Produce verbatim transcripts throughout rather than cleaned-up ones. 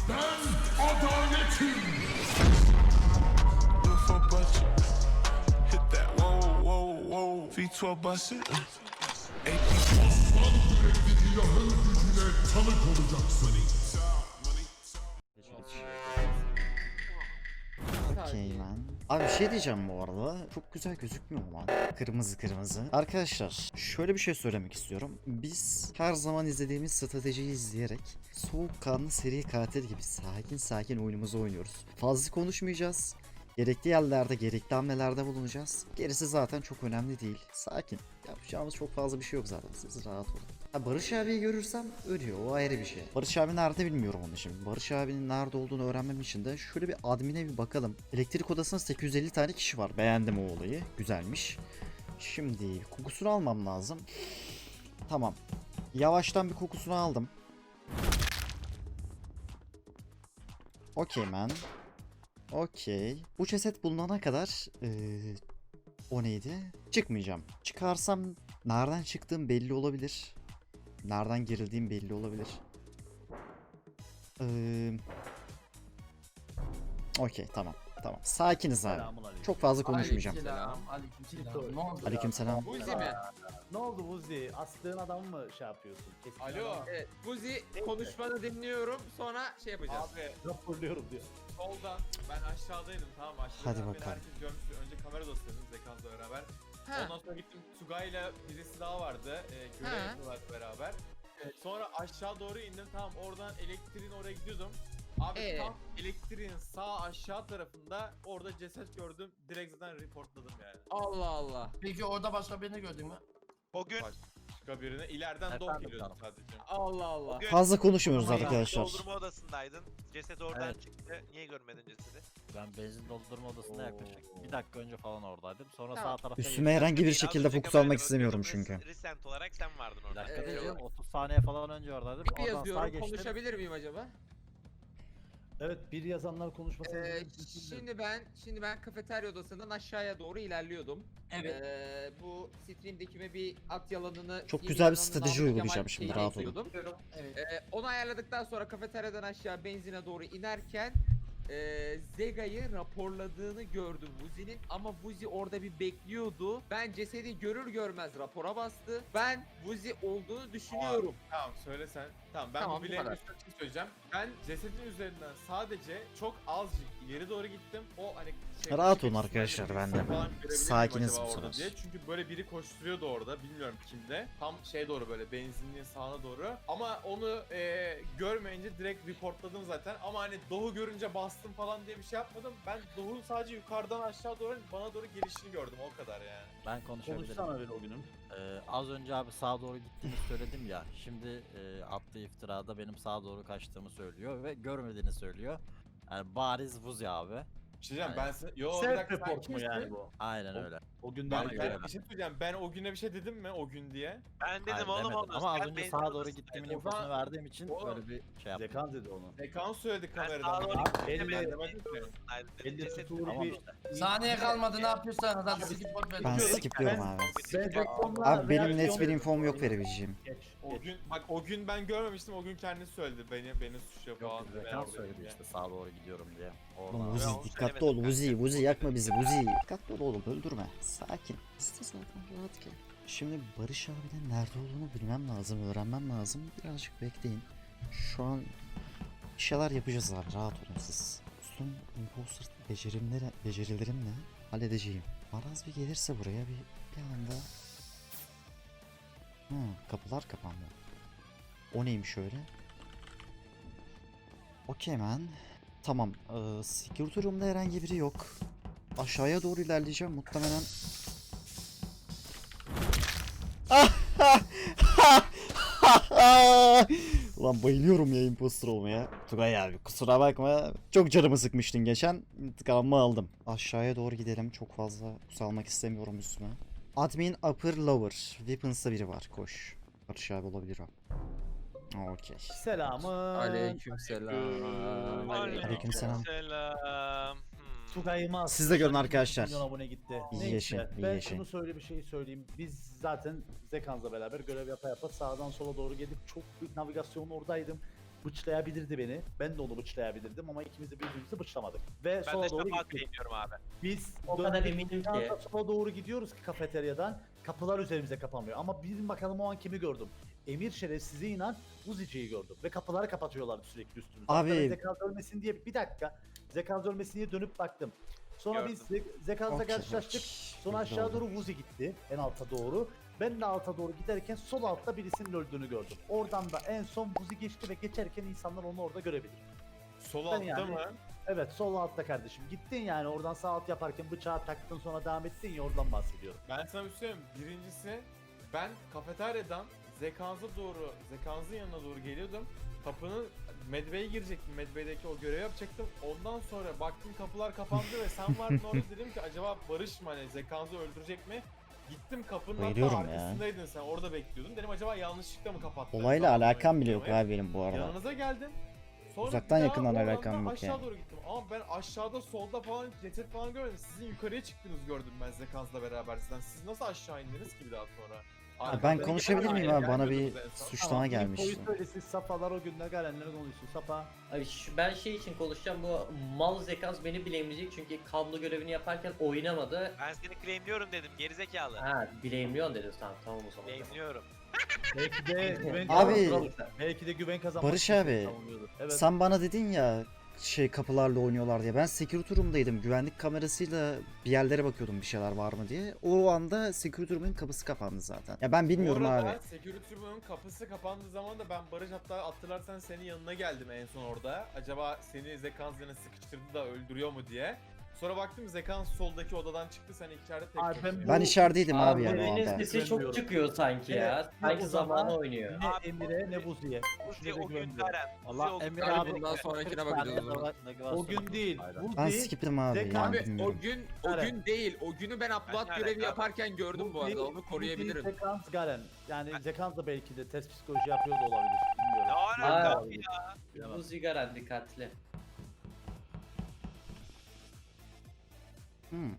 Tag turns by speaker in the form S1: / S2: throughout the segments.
S1: Ben adaletim. Aslan yürekli ilahın gücüne tanık olacaksın.
S2: Okey man. Abi bir şey diyeceğim bu arada. Çok güzel gözükmüyor mu lan? Kırmızı kırmızı. Arkadaşlar şöyle bir şey söylemek istiyorum. Biz her zaman izlediğimiz stratejiyi izleyerek soğukkanlı seri katil gibi sakin sakin oyunumuzu oynuyoruz. Fazla konuşmayacağız. Gerekli yerlerde, gerekli hamlelerde bulunacağız. Gerisi zaten çok önemli değil. Sakin. Yapacağımız çok fazla bir şey yok zaten. Siz rahat olun. Ha, Barış abiyi görürsem ölüyor. O ayrı bir şey. Barış abi nerede bilmiyorum onu şimdi. Barış abinin nerede olduğunu öğrenmem için de şöyle bir admine bir bakalım. Elektrik odasında sekiz yüz elli tane kişi var. Beğendim o olayı. Güzelmiş. Şimdi kokusunu almam lazım. Tamam. Yavaştan bir kokusunu aldım. Okey man. Okey. Bu ceset bulunana kadar ee, o neydi? Çıkmayacağım. Çıkarsam nereden çıktığım belli olabilir. Nereden girildiğim belli olabilir. Ee, Okey tamam. Tamam. Sakiniz abi. Çok fazla konuşmayacağım.
S3: Aleykümselam. Aleykümselam. Ne oldu?
S2: Aleykümselam.
S4: Buzi mi?
S5: Ne oldu Buzi? Astığın adamı mı şey yapıyorsun? Kesin
S4: Alo.
S5: adam.
S4: Evet, Buzi konuşmanı dinliyorum sonra şey yapacağız.
S6: Abi
S5: Raporluyorum diyor.
S6: soldan ben aşağıdaydım tamam mı? Aşağıda
S2: Hadi
S6: beni
S2: bakalım.
S6: herkes görmüş. Önce kamera dostlarım Zekans'la beraber.
S4: Ha.
S6: Ondan sonra gittim Tugay'la birisi daha vardı. E, görev
S4: Ha.
S6: yapıyorlar beraber. E, sonra aşağı doğru indim tamam oradan elektriğin oraya gidiyordum. Abi
S4: Ee?
S6: tam elektriğin sağ aşağı tarafında orada ceset gördüm. Direkt zaten reportladım yani.
S4: Allah Allah.
S3: Peki orada başka birini gördün mü?
S7: O gün
S6: Başka birine ileriden dok geliyordu sadece.
S4: Allah Allah.
S7: Bugün-
S2: Fazla konuşmuyoruz
S7: Ama
S2: arkadaşlar.
S7: doldurma odasındaydın. Ceset oradan
S8: Evet.
S7: çıktı. Niye görmedin cesedi?
S8: Ben benzin doldurma odasında yaklaşık bir dakika önce falan oradaydım. Sonra
S4: Tamam.
S8: sağ tarafa
S2: Üstüme herhangi bir
S7: Az
S2: şekilde
S7: önce
S2: fokus
S7: kamerada
S2: almak istemiyorum
S7: bakıyordum.
S2: çünkü.
S7: Res- Recent olarak sen vardın
S8: bir
S7: orada.
S8: dakika
S4: Ee,
S8: diyeceğim. otuz saniye falan önce oradaydım.
S4: Bir
S8: Oradan sağa
S4: yazıyorum
S8: geçtim.
S4: konuşabilir miyim acaba?
S5: Evet bir yazanlar konuşmasın.
S4: Ee, şimdi ben şimdi ben kafeterya odasından aşağıya doğru ilerliyordum.
S3: Evet.
S4: Ee, bu stream'dekime bir at yalanını
S2: Çok
S4: yeni
S2: güzel bir
S4: yalanını
S2: strateji
S4: Namık
S2: uygulayacağım
S4: Kemal
S2: şimdi,
S4: şeyine
S2: rahat olun.
S4: ekliyordum.
S3: Evet.
S4: Ee, onu ayarladıktan sonra kafeteryadan aşağı benzine doğru inerken e, Zega'yı raporladığını gördüm Vuzi'nin ama Vuzi orada bir bekliyordu. Ben cesedi görür görmez rapora bastı. Ben Vuzi olduğunu düşünüyorum.
S6: Tamam söyle sen. Tamam ben
S4: Tamam,
S6: bu
S4: bu
S6: bileğin
S4: kadar.
S6: üstüne bir şey söyleyeceğim. Ben cesedin üzerinden sadece çok azıcık ileri doğru gittim. O hani şey,
S2: Rahat
S6: şey-
S2: olun arkadaşlar,
S6: şey-
S2: ben de.
S6: falan görebilir miyim
S2: Sakiniz
S6: acaba
S2: bu
S6: orada
S2: sefer.
S6: diye. Çünkü böyle biri koşturuyordu orada. Bilmiyorum kimde. Tam şey doğru böyle benzinliğin sağına doğru. Ama onu e, görmeyince direkt reportladım zaten. Ama hani Doğu görünce bastım falan diye bir şey yapmadım. Ben Doğu'nun sadece yukarıdan aşağı doğru bana doğru gelişini gördüm o kadar yani.
S8: Ben konuşabilirim.
S5: Konuşsana bir o günüm.
S8: Ee, az önce abi sağa doğru gittiğini söyledim ya. Şimdi e, attığı iftirada benim sağa doğru kaçtığımı söylüyor ve görmediğini söylüyor. Yani bariz Vuzi abi.
S6: Bir şey diyeceğim
S8: Aynen.
S6: ben size... Yo bir
S5: Self
S6: dakika sen
S5: report mu
S6: kimsin?
S5: yani bu?
S8: Aynen öyle.
S5: O gün
S6: Ben,
S8: Bana
S6: ben
S8: göre.
S6: bir şey söyleyeceğim. Ben o güne bir şey dedim mi o gün diye?
S7: Ben dedim
S8: Hayır,
S7: oğlum
S8: demedim.
S7: onu.
S8: Ama az
S7: sen
S8: önce
S7: benzin
S8: sağa doğru
S7: odasındaydın.
S8: gittiğimin
S6: O zaman-
S8: infosunu verdiğim için
S6: Oğlum.
S8: böyle bir şey yaptım.
S5: Zekan dedi onu.
S6: Ekan söyledi
S7: Ben
S6: kameradan.
S7: sağa doğru
S6: Ben
S7: gittim.
S5: elli-
S7: Ben
S6: demedim ki.
S7: benzin odasındaydım dedim.
S5: elli
S7: Ceset-
S5: tutuğu
S8: Tamam
S5: bir...
S8: işte.
S3: Saniye kalmadı ne yapıyorsan hadi skip bot ver.
S2: Ben
S5: Yok,
S2: skipliyorum
S5: ben-
S2: abi.
S5: Ben
S2: Abi benim net bir infom yok verebileceğim.
S5: Geç.
S6: O
S5: geç.
S6: gün bak o gün ben görmemiştim. O gün kendisi söyledi. Beni beni suçluyor falan.
S8: Yok
S6: Ben
S8: Zekan
S6: oradayım
S8: söyledi
S6: diye.
S8: işte sağa doğru gidiyorum diye.
S2: Oğlum
S8: Oradan
S2: Vuzi
S7: onu
S2: dikkatli
S7: söylemedim
S2: ol Vuzi.
S7: kanka.
S2: Vuzi yakma bizi Vuzi. Dikkatli ol oğlum öldürme. Sakin. İste zaten rahat gel. Şimdi Barış abinin nerede olduğunu bilmem lazım. Öğrenmem lazım. Birazcık bekleyin. Şu an bir şeyler yapacağız abi. Rahat olun siz. Son imposter becerimleri, becerilerimle halledeceğim. Maraz bir gelirse buraya bir, bir anda... Hı, kapılar kapandı. O neymiş öyle? Okey man. Tamam. Ee, security room'da herhangi biri yok. Aşağıya doğru ilerleyeceğim muhtemelen. Ulan bayılıyorum ya imposter olmaya. Tugay abi kusura bakma. Çok canımı sıkmıştın geçen. İntikamımı aldım. Aşağıya doğru gidelim. Çok fazla kusalmak istemiyorum üstüme. Admin upper lower. Weapons'ta biri var. Koş. Barış abi olabilir o. Okey.
S5: Selamı.
S4: Aleykümselam.
S2: Aleykümselam.
S7: Selam. Hmm.
S5: Tugay'ıma
S2: Siz de görün arkadaşlar.
S5: milyon abone gitti.
S2: İyi
S5: Neyse,
S2: yaşayın, iyi
S5: ben
S2: yaşayın.
S5: şunu söyle bir şey söyleyeyim. Biz zaten Zekans'la beraber görev yapa yapa sağdan sola doğru gelip çok büyük navigasyonun oradaydım. bıçlayabilirdi beni. Ben de onu bıçlayabilirdim ama ikimiz de birbirimizi bıçlamadık. Ve
S7: Ben de
S5: sola doğru
S7: şafağı
S5: gittik.
S7: claimliyorum abi.
S5: Biz
S9: O kadar
S5: döndük,
S9: eminim
S5: bir
S9: ki.
S5: anda sola doğru gidiyoruz ki kafeteryadan. Kapılar üzerimize kapanmıyor. Ama bilin bakalım o an kimi gördüm. Emir şerefsize inan Uzici'yi gördüm. Ve kapıları kapatıyorlardı sürekli üstümüze.
S2: Abi-
S5: Hatta ben Zekans ölmesin diye bir dakika. Zekans ölmesin diye dönüp baktım. Sonra
S7: Gördüm.
S5: biz Ze- Zekans'la
S2: Okey,
S5: karşılaştık.
S2: okey.
S5: Sonra
S2: Belli
S5: aşağı
S2: oldu.
S5: doğru Vuzi gitti. En alta doğru. Ben de alta doğru giderken sol altta birisinin öldüğünü gördüm. Oradan da en son Vuzi geçti ve geçerken insanlar onu orada görebilir.
S6: Sol
S5: Ben
S6: altta
S5: yani-
S6: mı?
S5: Evet sol altta kardeşim. Gittin yani oradan sağ alt yaparken bıçağı taktın sonra devam ettin ya oradan bahsediyorum.
S6: Ben sana bir şey söyleyeyim. Birincisi ben kafeteryadan Zekans'a doğru, Zekans'ın yanına doğru geliyordum. Kapının Medbay'e girecektim. Medbay'deki o görevi yapacaktım. Ondan sonra baktım kapılar kapandı ve sen vardın orada, dedim ki acaba Barış mı hani Zekans'ı öldürecek mi? Gittim kapının hatta
S2: Bayılıyorum ya.
S6: arkasındaydın sen, orada bekliyordun. Dedim acaba yanlışlıkla mı kapattın?
S2: Olayla
S6: Zamanla
S2: alakam bile yok
S6: beklemeyi.
S2: abi benim bu arada.
S6: Yanınıza geldim. Sonra
S2: Uzaktan
S6: bir daha
S2: yakından
S6: oradan
S2: alakam
S6: da
S2: yok
S6: aşağı
S2: yani.
S6: doğru gittim. Ama ben aşağıda solda falan ceset falan görmedim. Sizin yukarıya çıktığınızı gördüm ben Zekans'la beraber sizden. Siz nasıl aşağı indiniz ki bir daha sonra?
S2: Ha, ben konuşabilir miyim abi? Bana bir
S6: Gelmiyordunuz en son.
S2: suçlama
S5: Tamam,
S2: gelmişti.
S5: infoyu söyle siz Safalar o günler gelenleri konuşsun. Safa.
S9: Abi şu- ben şey için konuşacağım, bu mal Zekans beni bilemeyecek çünkü kablo görevini yaparken oynamadı.
S7: Ben seni claimliyorum dedim gerizekalı.
S9: Ha bilemiyorsun dedin, tamam tamam o zaman.
S7: Claimliyorum.
S5: Belki de güven
S2: Abi-
S5: kazanmak- belki de güven kazanmak
S2: Barış
S5: için
S2: abi,
S5: savunuyordur. Evet.
S2: Sen bana dedin ya şey kapılarla oynuyorlar diye. Ben security room'daydım. Güvenlik kamerasıyla bir yerlere bakıyordum bir şeyler var mı diye. O anda security room'un kapısı kapandı zaten. Ya ben bilmiyorum
S6: Bu arada
S2: abi.
S6: security room'un kapısı kapandığı zaman da ben Barış, hatta hatırlarsan senin yanına geldim en son orada. Acaba seni Zekans yine sıkıştırdı da öldürüyor mu diye. Sonra baktım Zekans soldaki odadan çıktı, sen içeride tek
S5: Abi ben
S6: başına.
S5: bu-
S2: Ben içerideydim abi yani o
S9: Birinin
S2: anda.
S9: sesi çok çıkıyor sanki
S5: Evet,
S9: ya.
S5: o
S9: Sanki
S5: zaman-
S9: zamanı oynuyor.
S5: Ne
S7: Abi,
S5: Emir'e ne Buzi'ye.
S7: Uzi
S5: Üçüne de
S7: o gün
S5: güvenmiyorum.
S7: Karen. Uzi
S8: Allah
S7: o gün
S8: Emir
S4: Abi
S8: abi
S4: bundan sonrakine bakacağız o zaman.
S5: O gün değil.
S2: Ben
S5: Buzi,
S2: skipledim abi.
S5: Zekan-
S2: Yani
S4: Abi o
S2: bilmiyorum.
S4: gün o
S5: Evet.
S4: gün değil. O günü ben upload
S7: Ben
S4: görevi
S7: alaka?
S4: yaparken gördüm bu arada. Onu
S5: Buzi,
S4: koruyabilirim.
S5: Zekans Garen. Yani Zekans da belki de test psikoloji yapıyor da olabilir.
S7: Ne
S5: Bilmiyorum.
S7: alaka
S9: Aa.
S7: abi ya?
S5: Bilemem.
S9: Bu sigaran dikkatli.
S2: Hmm.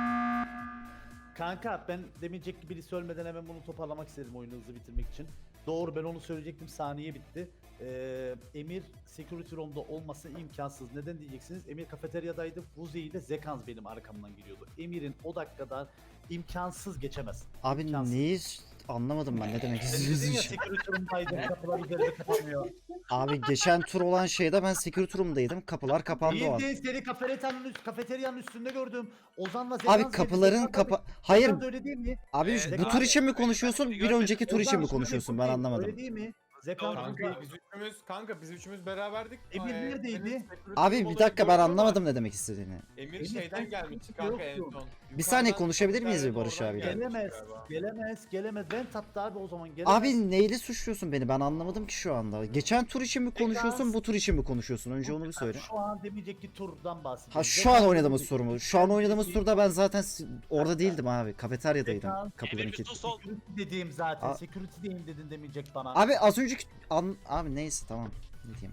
S5: Kanka ben demeyecek gibi birisi ölmeden hemen bunu toparlamak istedim oyunu hızlı bitirmek için. Doğru, ben onu söyleyecektim, saniye bitti. Ee, Emir security room'da olması imkansız. Neden diyeceksiniz? Emir kafeteryadaydı. Vuzi ile Zekans benim arkamdan geliyordu. Emir'in o dakikada imkansız geçemez.
S2: Abi
S5: İmkansız.
S2: neyi anlamadım ben ne demek
S5: Ben dedim ya
S2: istiyorsun?
S5: security room'daydım, kapılar üzerinde kapanmıyor.
S2: Abi geçen tur olan şeyde ben security room'daydım. Kapılar kapandı o an.
S5: Değil, seni kafeteryanın, üst, kafeteryanın üstünde gördüm. Ozan'la Zekans
S2: Abi
S5: geldi,
S2: kapıların
S5: Zekans
S2: kapa...
S5: abi-
S2: Hayır
S5: Zekans öyle değil mi?
S2: abi
S7: Evet,
S2: bu
S7: abi.
S2: tur için mi konuşuyorsun? Bir önceki tur için
S5: Ozan,
S2: mi
S5: şimdi
S2: konuşuyorsun?
S5: bu
S2: Ben
S5: değil,
S2: anlamadım.
S5: Öyle değil mi? Zekans
S7: Doğru.
S6: Kanka biz üçümüz, kanka biz üçümüz beraberdik.
S5: Emir
S6: Ee,
S5: neredeydi?
S6: senin security
S2: Abi
S6: room
S2: bir
S6: olayı
S2: dakika ben
S6: gördüm ama
S2: anlamadım ne demek istediğini.
S6: Emir
S5: Emir,
S6: şeyden
S5: sen
S6: gelmişti
S5: sıkıntı
S6: kanka en
S5: yoktu.
S6: son.
S2: Bir saniye
S6: Yukarıdan
S2: konuşabilir miyiz bir
S6: kafeteryadan
S2: Barış
S6: oradan
S2: abiyle?
S6: gelmişti
S5: Gelemez,
S6: galiba.
S5: gelemez, gelemez. Ben tattı abi o zaman gelemez.
S2: Abi neyle suçluyorsun beni? Ben anlamadım ki şu anda. Geçen tur için mi konuşuyorsun, bu tur için mi konuşuyorsun? Önce onu bir söyle.
S5: Şu an demeyecek ki turdan bahsediyorum.
S2: Ha şu an oynadığımız tur mu? Şu an oynadığımız turda ben zaten si- orada değildim abi. Kafeteryadaydım.
S5: Zekan-
S2: Kapıların
S7: Emir bir
S2: kilitli.
S7: sus ol.
S5: Security dediğim zaten.
S2: A-
S5: Security diyeyim dedin demeyecek bana.
S2: Abi az önceki an... Abi neyse tamam. Ne diyeyim?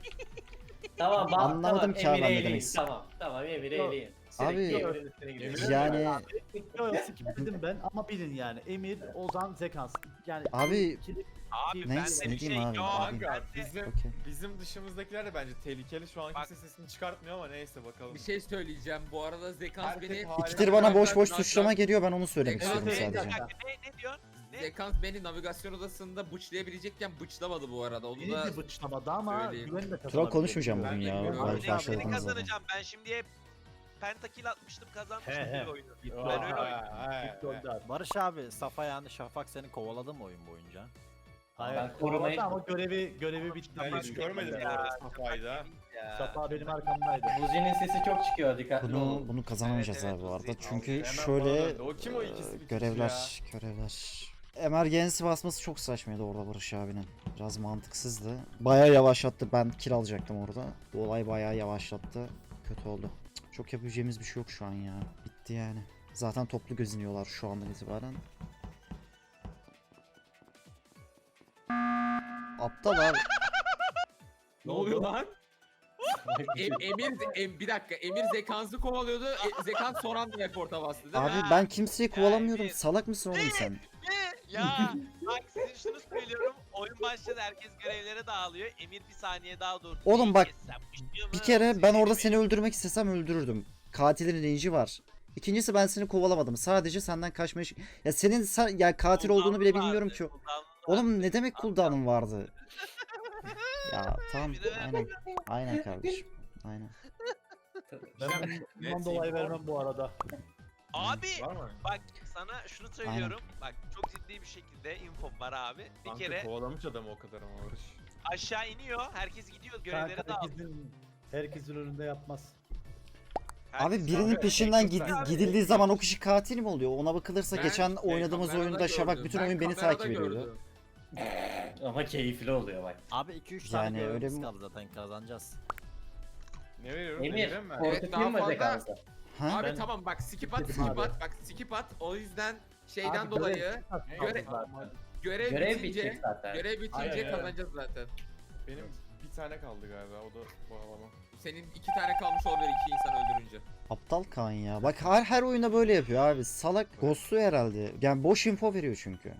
S9: Tamam bak
S2: Anlamadım
S9: tamam,
S2: ki abi
S9: Emir
S2: ben ne
S9: eğleyin.
S2: demek istedim.
S9: Tamam tamam Emir
S5: Yok.
S9: eğleyin.
S2: Abi-
S9: Sürekli Emir'in üstüne gidiyor.
S6: Emir-
S2: Yani
S5: Yok yok skip dedim ben ama bilin yani. Emir, Ozan, Zekans. Yani
S2: Abi-
S5: ikili-
S7: Abi
S2: Neyse,
S7: bende
S2: ne
S7: bir şey
S2: diyeyim abi,
S7: yok.
S2: abi.
S6: Kanka
S7: Bende-
S6: bizim,
S2: okey.
S6: bizim dışımızdakiler de bence tehlikeli. Şu an
S7: Bak-
S6: kimse sesini çıkartmıyor ama neyse bakalım.
S4: Bir şey söyleyeceğim. Bu arada Zekans
S6: Herkes
S4: beni
S6: harika.
S2: İkidir bana boş boş
S4: Navigasyon-
S2: suçlama geliyor ben onu söylemek
S4: Evet,
S2: istiyorum
S4: evet,
S7: Bir
S2: sadece.
S7: dakika ne, ne diyorsun? Ne?
S4: Zekans beni navigasyon odasında bıçlayabilecekken bıçlamadı bu arada. Onu
S5: Beni
S4: da
S5: de bıçlamadı ama
S4: söyleyeyim.
S5: güvenle
S2: Troll
S5: kazanabiliyor.
S2: konuşmayacağım
S6: Ben
S2: bugün ya.
S6: bilmiyorum.
S2: Vallahi
S6: Abi,
S7: Ya
S2: başladım
S7: beni
S2: zaten.
S7: kazanacağım. Ben şimdiye pentakil atmıştım kazanmıştım
S5: He, he.
S7: bir oyunu.
S5: Gitti
S7: Ben
S5: o.
S7: öyle oynadım.
S5: Gitti o da.
S8: Barış abi, Safa yani Şafak seni kovaladı mı oyun boyunca?
S5: Hayır.
S9: Ben korumayı-
S5: Ama görevi görevi bitti.
S6: Ben hiç görmedim bu arada Safa'yı.
S7: Ya.
S5: Safa benim arkamdaydı.
S9: Buzi'nin sesi çok çıkıyor, dikkatli
S2: Bunu
S9: olun.
S2: bunu kazanamayacağız
S7: Evet,
S2: abi bu
S7: evet,
S2: arada.
S7: Uzi.
S2: Çünkü
S6: Hemen
S2: şöyle
S6: bana döndü. O kim o ikisi
S2: e,
S6: bir kişi
S2: görevler görevler. Emergency basması çok saçmaydı orada Barış abinin. Biraz mantıksızdı. Bayağı yavaşlattı. Ben kill alacaktım orada. Bu olay bayağı yavaşlattı. Kötü oldu. Cık, Çok yapabileceğimiz bir şey yok şu an ya. Bitti yani. Zaten toplu gözünüyorlar şu andan itibaren. Aptal abi.
S4: ne oluyor lan? Em- Emir em- bir dakika. Emir Zekans'ı kovalıyordu. E, Zekans son anda reporta bastı değil mi?
S2: Abi ben kimseyi kovalamıyorum.
S7: Emir.
S2: Salak mısın oğlum sen?
S7: Ne? Ya bak size şunu söylüyorum. oyun başladı, herkes görevlere dağılıyor. Emir bir saniye daha durdu.
S2: Oğlum bak,
S7: Sen pişiyor mu?
S2: Bir kere ben orada
S7: Seni
S2: seni öldürmek istesem öldürürdüm. Katilin range'i var. İkincisi ben seni kovalamadım. Sadece senden kaçmaya... Ya senin sa- ya katil olduğunu bile
S7: cooldown'u
S2: bilmiyorum
S7: vardı,
S2: ki.
S7: cooldown'u
S2: Oğlum
S7: vardı.
S2: ne demek cooldown'un vardı? Ya tamam
S7: Bir de ben-
S2: aynen. Aynen kardeşim. Aynen.
S5: Ben bundan
S6: Net
S5: dolayı
S6: info.
S5: vermem bu arada.
S7: Abi
S6: Var mı?
S7: bak sana şunu söylüyorum. Bak çok ciddi bir şekilde infom var abi. Bir
S6: Kanka
S7: kere
S6: kovalamış adamı o kadar ama Barış.
S7: aşağı iniyor. Herkes gidiyor görevlere
S5: Kanka
S7: dağılıyor.
S5: herkesin, herkesin önünde yapmaz.
S2: Abi
S7: Herkes-
S2: birinin
S6: Abi,
S2: peşinden
S6: tek
S2: gidi-
S6: yok
S2: gidildiği zaman o kişi katil mi oluyor? Ona bakılırsa
S10: Ben
S2: geçen
S10: şey,
S2: oynadığımız
S10: kamerada
S2: oyunda Şabak
S10: gördüm.
S2: bütün
S10: Ben
S2: oyun beni
S10: kamerada
S2: takip ediyordu.
S10: gördüm.
S9: Ama keyifli oluyor bak.
S8: Abi iki üç tane
S2: Yani öyle
S8: görevimiz
S2: mi-
S8: kaldı zaten kazanacağız.
S6: Ne veriyorum?
S9: Emir,
S6: Emir'e mi?
S9: korkutayım
S10: Evet, daha
S9: mı
S10: fazla-
S9: Zekans'a?
S2: Ha?
S10: Abi
S5: Ben-
S10: tamam bak skip at
S5: Dedim
S10: skip
S5: abi.
S10: at bak skip at o yüzden şeyden
S5: Abi,
S10: dolayı
S5: görev-
S10: görev, görev,
S9: Görev
S10: bitince
S9: bitecek zaten.
S10: görev bitince
S6: Aynen, aynen.
S10: kazanacağız zaten.
S6: Benim bir tane kaldı galiba o da bağlama.
S10: Senin iki tane kalmış olabilir iki insan öldürünce.
S2: Aptal Kaan ya. Bak her her oyunda böyle yapıyor abi. Salak ghostluyor herhalde. Yani boş info veriyor çünkü.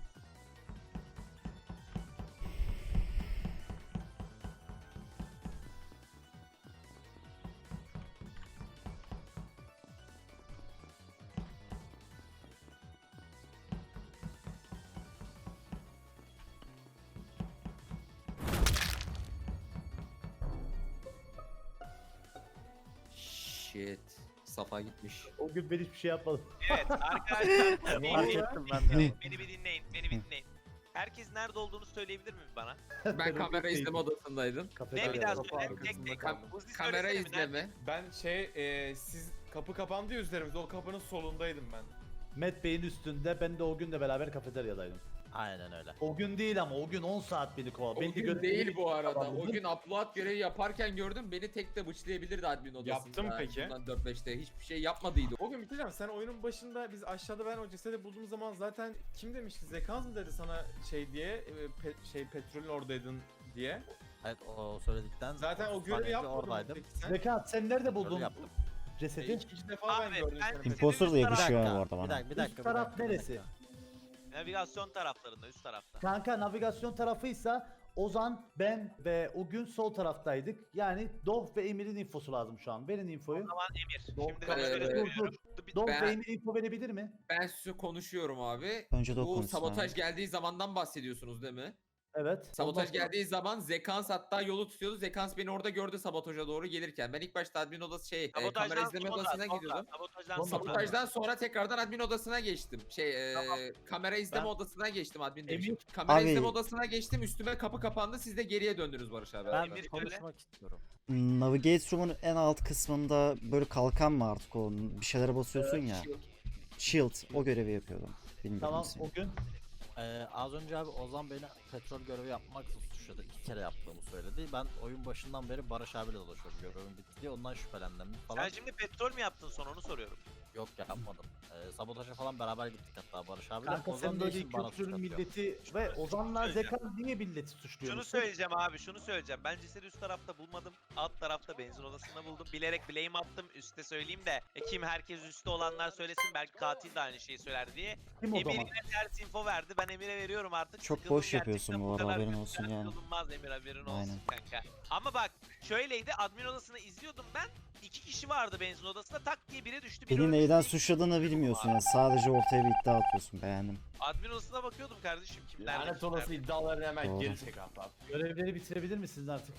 S10: Shit. Safa gitmiş.
S5: O gün ben hiçbir şey yapmadım.
S7: Evet arkadaşlar
S8: Fark
S7: beni,
S8: ettim ben de.
S7: beni bir dinleyin. Beni bir dinleyin. Herkes nerede olduğunu söyleyebilir mi bana?
S10: Ben kamera
S5: Değil.
S10: izleme odasındaydım.
S7: Ne bir daha
S5: Kafeteryada.
S7: söyle. Tek tek.
S10: Kam-
S7: Uzi
S10: kamera
S7: söylesene bir, nerede?
S10: izleme.
S6: Ben şey e, siz kapı kapandı ya üzerimizde o kapının solundaydım ben.
S5: Matt Bey'in üstünde, ben de o günle beraber kafeteryadaydım.
S8: Aynen öyle.
S5: O gün değil ama o gün on saat beni kovaladı.
S10: O
S5: Beni
S10: gün
S5: gö-
S10: değil bu arada.
S5: Tamam,
S10: O gün upload görevi yaparken gördüm. Beni tek de bıçlayabilirdi admin odasında.
S6: Yaptım peki.
S10: Bundan dört beşte hiçbir şey yapmadıydı.
S6: O gün bitireceğim. Sen oyunun başında biz aşağıda ben o cesedi bulduğum zaman zaten kim demişti? Zekans mı dedi sana şey diye e, pe- şey petrolün oradaydın diye.
S8: Evet o söyledikten
S6: Zaten o
S8: otuz
S6: görevi
S8: saniye
S6: yapmadın mı
S8: oradaydım.
S6: peki sen?
S5: Zekat sen nerede
S8: Görev
S5: buldun
S8: yaptım.
S5: cesedi?
S6: E, ikinci defa
S7: Abi,
S6: ben gördüm
S7: ben-
S6: seni.
S7: Bizim
S2: Imposter da
S7: üst taraf-
S2: yakışıyor
S8: Bir
S2: abi
S8: dakika,
S2: orada
S8: bir
S2: bana.
S8: dakika, bir dakika.
S5: Üst taraf
S8: bir dakika, bir
S5: neresi?
S8: dakika.
S7: Navigasyon taraflarında, üst tarafta.
S5: Kanka navigasyon tarafıysa Ozan, ben ve o gün sol taraftaydık. Yani Dov ve Emir'in infosu lazım şu an. Verin infoyu.
S7: O zaman Emir.
S5: Dov,
S7: Şimdi
S10: ben-
S7: ben şöyle
S10: Dur,
S5: dur,
S7: söylüyorum. Bir-
S5: Dov
S10: Ben-
S5: ve Emir info verebilir mi?
S10: Ben size konuşuyorum abi.
S2: Önce de o
S10: Bu
S2: konuşsun
S10: sabotaj
S2: abi.
S10: geldiği zamandan bahsediyorsunuz değil mi?
S5: Evet.
S10: Sabotaj
S5: Ondan sonra-
S10: geldiği zaman Zekans hatta yolu tutuyordu. Zekans beni orada gördü sabotaja doğru gelirken. Ben ilk başta admin odası şey, e, kamera
S7: Sabotajdan
S10: izleme
S7: sonra,
S10: odasına
S7: sonra,
S10: gidiyordum.
S7: Sabotajdan
S5: Sonra-
S7: sonra.
S10: Sabotajdan sonra tekrardan admin odasına geçtim. Şey, e,
S7: Tamam.
S10: kamera izleme
S5: Ben-
S10: odasına geçtim admin
S5: Emin-
S10: demişim. Kamera
S2: Abi-
S10: izleme odasına geçtim. Üstüme kapı kapandı. Siz de geriye döndünüz Barış abi.
S5: Ben-
S7: Emir
S8: Konuşmak istiyorum.
S2: Navigate Room'un en alt kısmında böyle kalkan mı artık o? Bir şeylere basıyorsun ya. Shield. O görevi yapıyordum. Bilmiyorum
S5: Tamam
S2: ismini.
S5: o gün.
S8: Ee, az önce abi Ozan beni petrol görevi yapmakla suçladı. İki kere yaptığımı söyledi. Ben oyun başından beri Barış abiyle dolaşıyorum. Görevim bitti diye ondan şüphelendim falan.
S7: Sen şimdi petrol mü yaptın son onu soruyorum.
S8: Yok yapmadım. Ee, sabotaja falan beraber gittik hatta Barış abiyle.
S5: Kanka
S8: Ozan
S5: sen
S8: ne
S5: böyle
S8: için bana suç
S5: kültürün
S8: atıyor?
S5: milleti ve Ozan'la
S7: söyleyeceğim.
S5: Zekat niye milleti suçluyor?
S7: Şunu söyleyeceğim abi, şunu söyleyeceğim. Ben cesedi üst tarafta bulmadım. Alt tarafta benzin odasında buldum. Bilerek blame attım. Üste söyleyeyim de e, kim herkes üstte olanlar söylesin. Belki katil de aynı şeyi söyler diye.
S5: Kim o
S7: Emir
S5: zaman?
S7: yine ters info verdi. Ben Emir'e veriyorum artık.
S2: Çok
S7: Sıkıldım
S2: boş yapıyorsun
S7: gerçekten.
S2: bu arada,
S7: kadar
S2: haberin
S7: kötü
S2: olsun
S7: katil
S2: yani.
S7: olunmaz Emir, haberin olsun
S2: Aynen.
S7: kanka. Ama bak şöyleydi, admin odasını izliyordum ben. İki kişi vardı benzin odasında, tak diye biri düştü. Biri
S2: Beni
S7: ölmüş,
S2: neyden
S7: biri-
S2: suçladığını bilmiyorsun ya. Sadece ortaya bir iddia atıyorsun. Beğendim.
S7: Admin odasına bakıyordum kardeşim, kimler
S6: Lanet
S7: kimler.
S6: olası iddialarını hemen
S2: Doğru.
S6: geri çek hatta.
S5: Görevleri bitirebilir misiniz artık?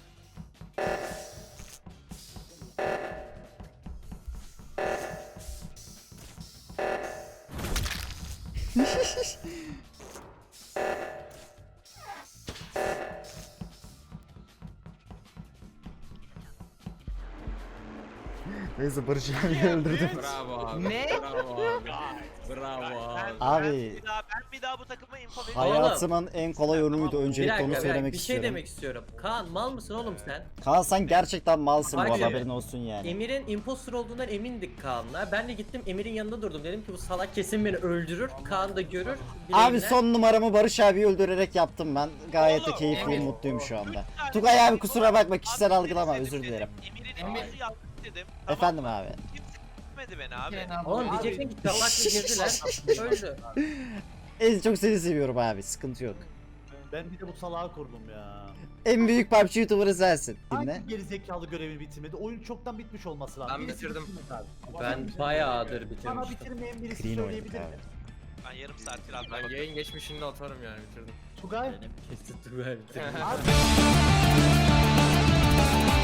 S2: Neyse Barış abiyi öldürdüm.
S10: Bravo abi.
S4: Ne?
S10: Bravo abi. Bravo abi.
S7: Ben,
S2: Abi.
S7: ben, bir daha, ben bir daha bu takıma info veriyorum.
S2: Hayatımın en kolay yorumuydu.
S9: Bir
S2: Öncelikle
S9: dakika
S2: onu
S9: bir, dakika,
S2: söylemek
S9: bir şey
S2: istiyorum.
S9: demek istiyorum. Kaan mal mısın oğlum sen?
S2: Kaan sen gerçekten malsın
S9: Bak
S2: bu arada,
S9: şimdi,
S2: haberin olsun yani.
S9: Emir'in imposter olduğundan emindik Kaan'la. Ben de gittim Emir'in yanında durdum. Dedim ki bu salak kesin beni öldürür. Kaan da görür.
S2: Abi
S9: bileğinden-
S2: son numaramı Barış abiyi öldürerek yaptım ben. Gayet de
S7: Oğlum,
S2: keyifliyim,
S10: Emir.
S2: mutluyum şu anda.
S7: Üç tane
S2: Tugay abi
S7: info
S2: kusura bakma,
S7: verdim.
S2: kişisel
S7: Abi,
S2: algılama,
S7: dedim,
S2: özür
S7: dedim.
S2: dilerim.
S7: Emir'in
S10: Emir.
S7: infosu yanlış dedim. Tamam.
S2: Efendim abi.
S7: Kimse gitmedi beni abi.
S9: Oğlum
S5: Abi-
S9: diyeceksin ki salakla girdiler. Öldü.
S2: En çok seni seviyorum abi, sıkıntı yok.
S5: Ben bir de bu salağı kurdum ya.
S2: En büyük P U B G YouTuber'ı sensin. Dinle.
S5: Hangi gerizekalı görevini bitirmedi? Oyun çoktan bitmiş olması lazım.
S10: Ben
S5: Birisi
S10: bitirdim.
S5: bitirmedi abi.
S9: Ben bayağıdır
S5: Bana
S9: bitirmiştim.
S5: bitirmeyen birisi
S2: Clean oynadık
S5: söyleyebilir mi?
S2: abi.
S7: Ben yarım saattir adına
S10: Ben
S7: bakıyorum.
S10: yayın geçmişinde atarım yani bitirdim.
S5: Tugay.
S8: Benim
S9: Kesin Tugay bitirmiş.
S5: Abi.